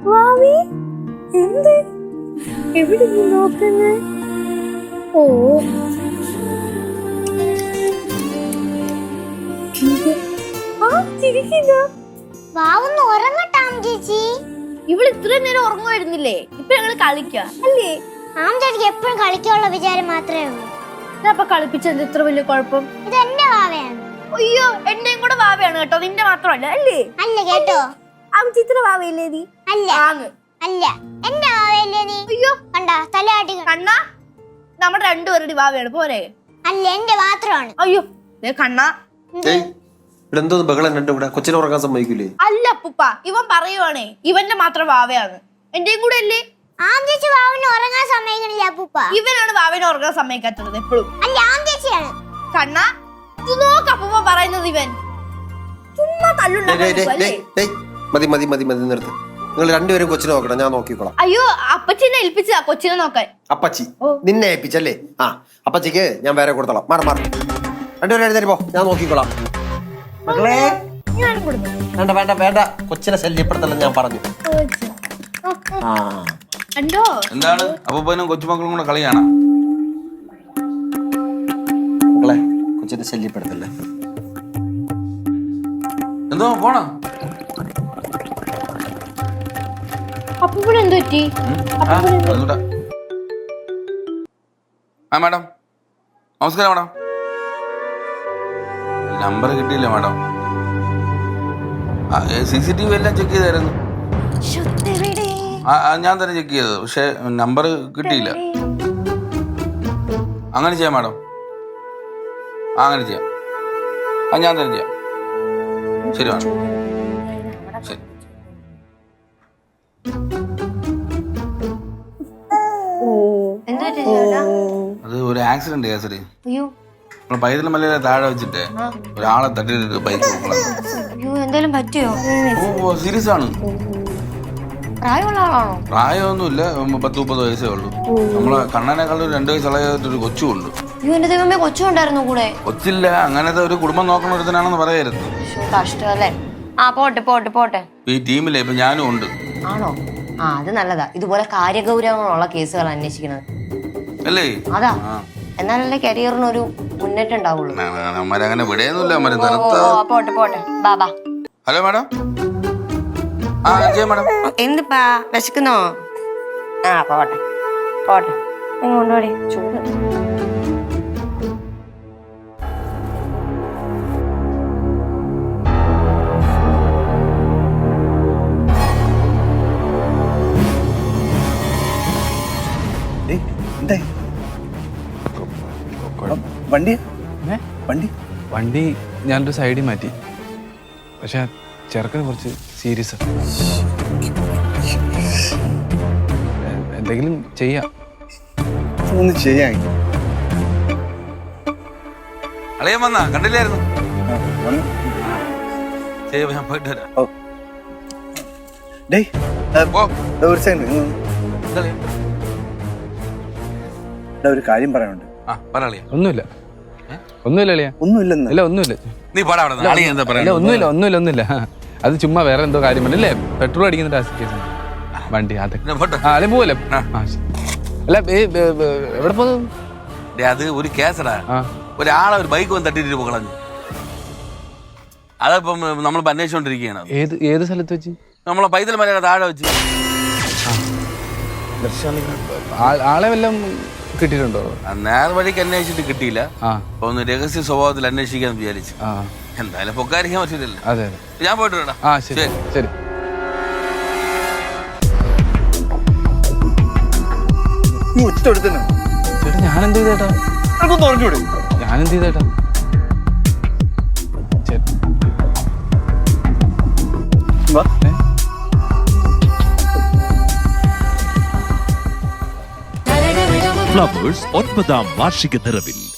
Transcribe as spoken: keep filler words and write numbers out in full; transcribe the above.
വാവി എന്ത് എവിടെ നോക്കുന്നേ? ഓ വാവൊന്ന് ഉറങ്ങട്ടാം ചേച്ചി. ഇവള് ഇത്രയും നേരം ഉറങ്ങുമായിരുന്നില്ലേ? ഇപ്പൊ ഞങ്ങള് കളിക്കാം അല്ലേ? ആം ചേച്ചിക്ക് എപ്പോഴും കളിക്കാനുള്ള വിചാരം മാത്രമേ ഉള്ളൂ. ഇതപ്പൊ കളിപ്പിച്ചത് ഇത്ര വലിയ കുഴപ്പം? ഇത് എന്റെ വാവയാണ്. അയ്യോ എന്റെയും കൂടെ വാവയാണ് കേട്ടോ, നിന്റെ മാത്രമല്ല അല്ലേ? അല്ല കേട്ടോ. ആ ചിത്ര വാവയില്ലേ നീ? അല്ല അല്ല എന്റെ വാവയല്ലേ നീ? അയ്യോ കണ്ടാ തലയാട്ടി കണ്ണാ, നമ്മുടെ രണ്ടുപേരുടെ വാവയാണ് പോരെ? അല്ല എന്റെ മാത്രമാണ്. അയ്യോ കണ്ണാ എന്തോന്ന് ബഹളം രണ്ടും കൂടെ? കൊച്ചിനെ ഉറങ്ങാൻ സമ്മതിക്കൂലേ? അല്ല അപ്പൂപ്പ, ഇവൻ പറയുവാണേ ഇവന്റെ മാത്രം വാവയാണ്, എന്റെയും കൂടെ അല്ലേ? ആം ചേച്ചി വാവന് ഉറങ്ങാൻ സമ്മതിക്കണില്ല അപ്പൂപ്പ. ഇവനാണ് വാവനെ ഉറങ്ങാൻ സമ്മതിക്കാത്തത് എപ്പോഴും. അല്ല ആം ചേച്ചിയാണ്. കണ്ണാ ഇത് നോക്ക് അപ്പൂപ്പ പറയുന്നത്, ഇവൻ ചുമ്മാ തല്ലുണ്ടാക്കാൻ. മതി മതി മതി മതി നിർത്ത്. നിങ്ങൾ രണ്ടുപേരും കൊച്ചിനെ നോക്കണം, ഞാൻ നോക്കിക്കോളാം. അയ്യോ അപ്പച്ചിനെ ഏൽപ്പിച്ചതാ കൊച്ചിനെ നോക്കാൻ. അപ്പച്ചി നിന്നെ ഏൽപ്പിച്ചല്ലേ? ആ അപ്പച്ചിക്ക് ഞാൻ വേറെ കൊടുത്തോളാം. മാറി മാറി രണ്ടുപേരും എഴുന്നേറ്റ് പോ, ഞാൻ നോക്കിക്കോളാം. മക്കളെ വേണ്ട വേണ്ട വേണ്ട, കൊച്ചിനെ ശല്യപ്പെടുത്തല്ല ഞാൻ പറഞ്ഞു. ആ കണ്ടോ എന്താണ് അപ്പൂപ്പനും കൊച്ചുമക്കളും കൂടെ കളിയാണ്? മക്കളെ കൊച്ചിനെ ശല്യപ്പെടുത്തല്ലേ. എന്തോ പോണോ? അപ്പൂപ്പന് എന്ത് പറ്റി? ആ മാഡം നമസ്കാരം. മാഡം നമ്പർ കിട്ടിയില്ല madam. C C T V എല്ലാം ചെക്ക് ചെയ്തായിരുന്നു. ഞാൻ തന്നെ ചെക്ക് ചെയ്തത്, പക്ഷെ നമ്പർ കിട്ടിയില്ല. അങ്ങനെ ചെയ്യാം മാഡം, അങ്ങനെ ചെയ്യാം. ആ ഞാൻ തന്നെ ചെയ്യാം. ശരി മാഡം, ശരി. അത് ഒരു ആക്സിഡന്റ് കേസരി. നമ്മള് പൈതൽ മലയിലെ താഴെ വെച്ചിട്ട് ഒരാളെ തട്ടിയിട്ട് ബൈക്ക് എന്തേലും പറ്റിയോ? ഓ സീരിയസ് ആണ്. പ്രായമുള്ള ആളാണോ? പ്രായമൊന്നുമില്ല, പത്ത് മുപ്പത് വയസ്സേ ഉള്ളൂ. നമ്മളെ കണ്ണനേക്കാൾ ഒരു രണ്ടു വയസ്സുള്ളൊരു കൊച്ചുണ്ട്. എന്റെ ദൈവമേ, കൊച്ചുണ്ടായിരുന്നു കൂടെ? കൊച്ചില്ല, അങ്ങനത്തെ ഒരു കുടുംബം നോക്കണ ഒരുത്തനാണെന്ന് പറയരുത്. കഷ്ടല്ലേ. ആ പോട്ടെ പോട്ടെ പോട്ടെ. ഈ ടീമിലെ ഇപ്പൊ ഞാനും ഉണ്ട്. ആണോ? ആ അത് നല്ലതാ, ഇതുപോലെ കാര്യഗൗരവങ്ങളുള്ള കേസുകൾ അന്വേഷിക്കുന്നത് അല്ലേ? അതാ, എന്നാലല്ലേ കരിയറിന് ഒരു മുന്നേറ്റം ഉണ്ടാവുള്ളൂ. അങ്ങനെ വിടയൊന്നുമില്ല. പോട്ടെ പോട്ടെ ബാബാ. Hello madam. ആ ജയ മാഡം. എന്തിപ്പാ വിശക്കുന്നോ? ആ പോട്ടെ പോട്ടെ, കൊണ്ടുപോടി ചൂട്. വണ്ടി വണ്ടി വണ്ടി ഞാനൊരു സൈഡിൽ മാറ്റി, പക്ഷെ ചെറുക്കന് കുറച്ച് സീരിയസ്. എന്തെങ്കിലും ചെയ്യാം. ഒന്ന് ചെയ്യാൻ അളിയൻ വന്നാ കണ്ടില്ലായിരുന്നു. ഞാൻ പോയിട്ട് വരാം. ഒരു കാര്യം പറയാനുണ്ട്. ഒന്നുമില്ല ഒന്നുമില്ല അളിയാ, ഒന്നുമില്ലെന്ന്. ഇല്ല ഒന്നുമില്ല. നീ പാടാ എന്താ പറയാ? ഒന്നുമില്ല ഒന്നുമില്ല ഒന്നുമില്ല. അത് ചുമ്മാ വേറെ എന്തോ കാര്യം പറഞ്ഞല്ലേ, പെട്രോൾ അടിക്കുന്ന കേസ് വണ്ടി. അതൊക്കെ അല്ലെ പോവല്ലേ? അല്ല എവിടെ പോകുന്നു? അത് ഒരു കേസടാ. ഒരാളെ ഒരു ബൈക്ക് വന്ന് തട്ടിട്ട് കളഞ്ഞു. അതിപ്പം നമ്മളിപ്പോ അന്വേഷിച്ചോണ്ടിരിക്കുകയാണ്. ഏത് ഏത് സ്ഥലത്ത് വെച്ച്? നമ്മളെ പൈതൽ മലയുടെ താഴെ വെച്ച്. ആളെ വല്ലതും കിട്ടിയിട്ടുണ്ടോ? നേരെ വഴിക്ക് അന്വേഷിച്ചിട്ട് കിട്ടിയില്ല. അപ്പൊ ഒന്ന് രഹസ്യ സ്വഭാവത്തിൽ അന്വേഷിക്കാന്ന് വിചാരിച്ചു. എന്തായാലും പൊക്കാരിക്കാൻ പറ്റില്ലല്ലോ. അതെ ഞാൻ പോയിട്ട് വരാം. ആ ശരി ശരി. ചേട്ടാ ഞാനെന്ത് ചെയ്തേട്ടാ? ഞാനെന്ത് ചെയ്തേട്ടാ? ഫ്ലവേഴ്സ് ഒൻപതാം വാർഷിക നിറവിൽ